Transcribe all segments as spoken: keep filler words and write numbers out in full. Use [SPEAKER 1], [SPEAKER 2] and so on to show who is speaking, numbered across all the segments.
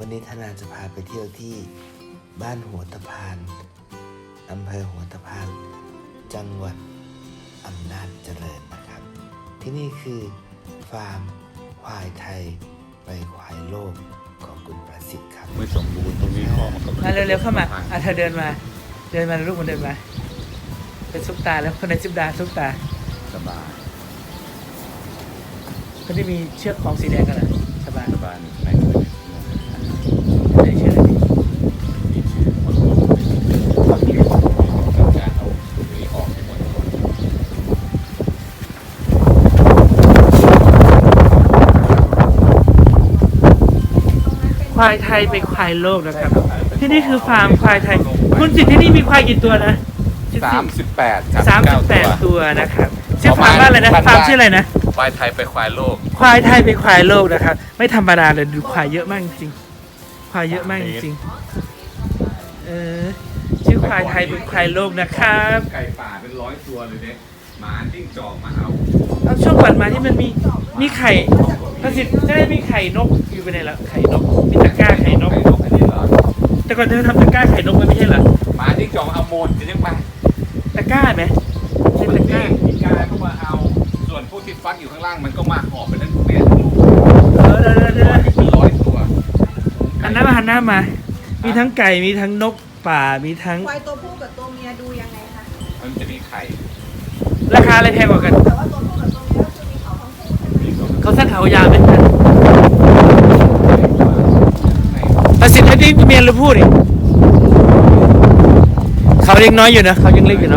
[SPEAKER 1] วันนี้ธนาจะพาไปเที่ยวที่บ้านหัวตะพานอำเภอหัวตะพานจังหวัดอำนาจเจริญนะครับที่นี่คือฟาร์มควายไทยไปควายโลกของคุณประสิทธิ์ครับ
[SPEAKER 2] ไม่สมบูรณ์ตรงนี้ข้อมันก็
[SPEAKER 3] มาเร็วๆเข้ามาอ่ะเธอเดินมาเดินมาลูกมันเดินมาเป็นซุปตาแล้วคนในซุปตาซุปตา
[SPEAKER 2] สบาย
[SPEAKER 3] คนที่มีเชือกของสีแดงกันนะสบาย
[SPEAKER 2] สบายใน
[SPEAKER 3] ในเชือกนี้
[SPEAKER 2] มีชื่อคนต้องการเอาตรงนี้ออกให้หมด
[SPEAKER 3] ควายไทยเป็นควายโลกนะครับที่นี่คือฟาร์มควายไทยคุณสิทธิ์ที่นี่มีควายกี่ตัวนะ
[SPEAKER 2] สามสิบแปด
[SPEAKER 3] สามสิบแปดตัวนะครับชื่อฟาร์มว่าอะไรนะฟาร์มชื่ออะไรนะ
[SPEAKER 2] ควายไทยไปควายโลก
[SPEAKER 3] ควายไทยเป็นควายโลกนะครับไม่ธรรมดาเลยดูควายเยอะมากจริงควายเยอะมากจริงเออชื่อควายไทยเป็นควายโลกนะครับ
[SPEAKER 2] ไก่ป่าเป็นร้อยตัวเลยเนี่ยหมาจิ้งจอกมาเอา
[SPEAKER 3] เอาช่วงก่อนมาที่มันมีมีไข่ประสิทธิ์จะได้มีไข่นกอยู่ไปไหนละไข่นกมีตะกร้าไข่นกแต่ก่อนเธอทำตะกร้าไข่นกไม่ใช่เหรอ
[SPEAKER 2] หมาจิ้งจอกเอาโมดจะยังไง
[SPEAKER 3] ตะกร้าไหมใช่ตะกร้า
[SPEAKER 2] มีกาเข้ามาเอาส่วนพวกที่ฟักอยู่ข้างล่างมันก็มาหอบไปทั้งแม่ทั้งลูก
[SPEAKER 3] เออเดี๋ยวเดี๋ยว
[SPEAKER 2] เป็นร้อยตัว
[SPEAKER 3] หันหน้ามาหันหน้ามามีทั้งไก่มีทั้งนกป่ามีทั้ง
[SPEAKER 4] ควายตัวผู้กับตัวเมียดูยังไงคะ
[SPEAKER 2] มันจะมีไข่
[SPEAKER 3] ราคาอะไรแพงกว่ากัน
[SPEAKER 4] แต่ว่าตัวผู้กับตัวเมียก็คือมีเขาทั้งคู่ใช่ไหม
[SPEAKER 3] เขาสั้นเขายาวไหมประสิทธิ์ให้ที่เมียหรือพูดดิเขายังน้อยอยู่นะเขายังเล็กอยู่เนาะ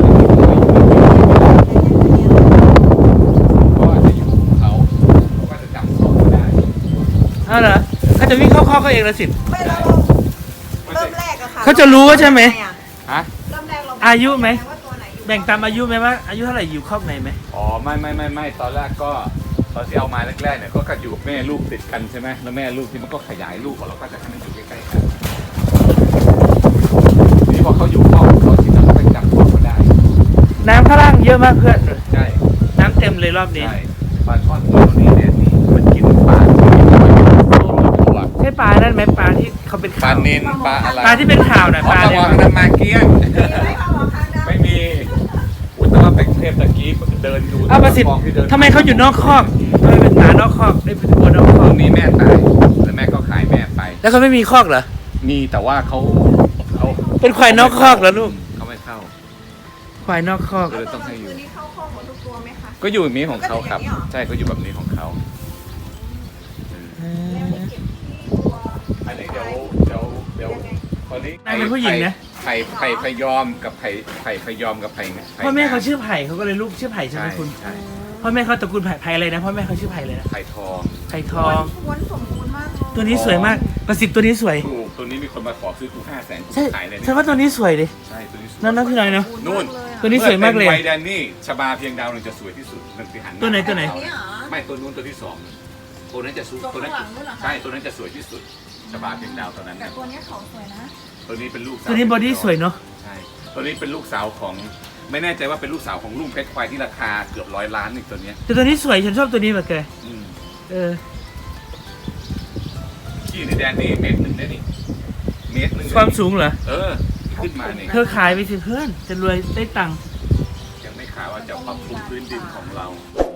[SPEAKER 2] ก็จะอยู่เขาก็จะจำข้อได้
[SPEAKER 3] เอาเหรอเขาจะวิ่งเข้าข้อเขาเองละสิ
[SPEAKER 4] ไม่เราเริ่มแรกอะค่ะ
[SPEAKER 3] เขาจะรู้ว่าใช่ไหม
[SPEAKER 2] ฮะ
[SPEAKER 4] เริ่มแรกเรา
[SPEAKER 3] อายุไหมแบ่งตามอายุไหมว่าอายุเท่าไหร่อยู่คอกไหนไหม
[SPEAKER 2] อ๋อไม่ไม่ไม่ไม่ตอนแรกก็ตอนที่เอามาแรกๆเนี่ยก็อยู่กับแม่ลูกติดกันใช่ไหมแล้วแม่ลูกที่มันก็ขยายลูกของเราก็จะให้มันอยู่ใกล้ๆกันนี่พอเขาอยู่ข้อเขาที่จะไปจับข้อเขาได้
[SPEAKER 3] น้ำข้างล่างเยอะมากเพื่อน
[SPEAKER 2] ใช่
[SPEAKER 3] น้ำเต็มเลยรอบนี้
[SPEAKER 2] ใช่ปลาช่อนตัวนี้เนี่ยนี่มันกินปลาตัว
[SPEAKER 3] ใช่ปลานั่นไหมปลาที่เขาเป็น
[SPEAKER 2] ปลาเน้นปลาอะไร
[SPEAKER 3] ปลาที่เป็นข่าวนะปลา
[SPEAKER 2] เนี่ยปลามาเกี้ยงไม่มีอุตส่าห์ไปเทพตะกี้เดินดู
[SPEAKER 3] อ้าวประสิทธิ์ทำไมเขาอยู่นอกคอกทำไมเป็นหมานอกคอกได้เป็นวัวนอกคอก
[SPEAKER 2] นี้แม่ตายแล้วแม่ก็ขายแม่ไป
[SPEAKER 3] แล้วเขาไม่มีคอกเหรอ
[SPEAKER 2] มีแต่ว่าเขาเขา
[SPEAKER 3] เป็นควายนอกคอกเหรอลูก
[SPEAKER 2] เขาไม่เข้า
[SPEAKER 3] ควายนอกคอก
[SPEAKER 2] เลยต้องให้อยู่
[SPEAKER 4] นี่เข้าคอกหมดทุกตัวไหมคะ
[SPEAKER 2] ก็อยู่แบบนี้ของเขาครับใช่ก็อยู่แบบนี้ของเขาอันนี้เดี๋ยวเดี๋ยวเดี๋ยวคนนี้
[SPEAKER 3] นายเป็นผู้หญิงนะ
[SPEAKER 2] ไผ่ไผ่พยอมกับไผ่ไผ่พยอมกับไผ่
[SPEAKER 3] พ่อแม่เขาชื่อไผ่เขาก็เลยลูกชื่อไผ่ใช่ไหมคุณ
[SPEAKER 2] ใช่
[SPEAKER 3] พ่อแม่เขาตระกูลไผ่ไผ่อะไรนะพ่อแม่เขาชื่อไผ่เลยนะ
[SPEAKER 2] ไผ่ทอง
[SPEAKER 3] ไผ่ทอง
[SPEAKER 4] วนสมบูรณ์มาก
[SPEAKER 3] ตัวนี้สวยมากประสิทธิ์ตัวนี้สวย
[SPEAKER 2] ถูกตัวนี้มีคนมาขอซื้อกูห้าแสนกูขายเลย
[SPEAKER 3] ใช่ว่าตัวนี้สวยดิ
[SPEAKER 2] ใช่ตัวนี้
[SPEAKER 3] นั่นนั่นพี่น้อยเนาะ
[SPEAKER 2] นู่น
[SPEAKER 3] ตัวนี้สวยมากเลย
[SPEAKER 2] ไวแดนนี่ชบาเพียงดาวนึงจะสวยที่สุดหนึ่งที่หัน
[SPEAKER 3] ตัวไหนตัวไหน
[SPEAKER 2] ไม่ตัวนู้นตัวที่สองตัวนั้นจะสวยตัวนั้นใช่ตัวนั้นจะสวยที่สุดชบาเพียงดาวตัวนั้น
[SPEAKER 4] แต่ตัวนี้เขาสวยนะ
[SPEAKER 2] ตัวนี้เป็นลูก
[SPEAKER 3] ตัวนี้บอดี้สวยเนาะ
[SPEAKER 2] ใช่ตัวนี้เป็นลูกสาวของไม่แน่ใจว่าเป็นลูกสาวของลุงเพชรควายที่ราคาเกือบร้อยล้านอีกตัวนี้
[SPEAKER 3] แต่ตัวนี้สวยฉันชอบตัวนี้มากเลยเออ
[SPEAKER 2] ขี้ในแดนนี่เมตรหนึ่งได้นี่เมตรหนึ่ง
[SPEAKER 3] ความสูงเหรอ
[SPEAKER 2] เออขึ้นมาเนี่ย
[SPEAKER 3] เธอขายไปสิเพื่อนจะรวยได้ตังค์
[SPEAKER 2] ยังไม่ขายว่าจะปรับปรุงพื้นดินของเรา